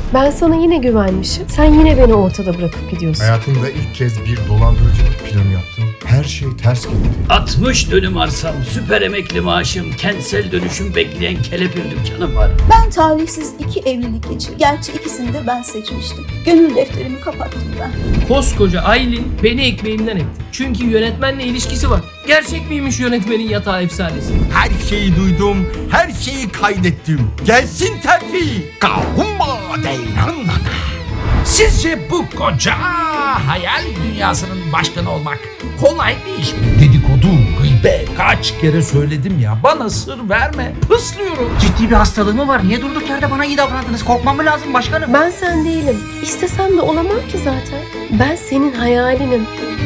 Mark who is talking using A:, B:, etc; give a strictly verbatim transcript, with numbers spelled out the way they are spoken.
A: Ben sana yine güvenmişim. Sen yine beni ortada bırakıp gidiyorsun.
B: Hayatımda ilk kez bir dolandırıcılık planı yaptım. Her şey ters gitti.
C: altmış dönüm arsam, süper emekli maaşım, kentsel dönüşüm bekleyen kelepir dükkanım var.
D: Ben talihsiz iki evlilik geçirdim. Gerçi ikisini de ben seçmiştim. Gönül defterimi kapattım ben.
E: Koskoca Aylin beni ekmeğimden etti. Çünkü yönetmenle ilişkisi var. Gerçek miymiş yönetmenin yatağı efsanesi?
F: Her şeyi duydum, her şeyi kaydettim. Gelsin terfi. Kahumma deylanana.
G: Sizce bu koca hayal dünyasının başkanı olmak kolay bir iş mi? Dedikodu, gıybet kaç kere söyledim ya, bana sır verme, pıslıyorum.
H: Ciddi bir hastalığı mı var? Niye durduk yerde bana iyi davrandınız? Korkmam mı lazım başkanım?
A: Ben sen değilim. İstesem de olamam ki zaten. Ben senin hayalinim.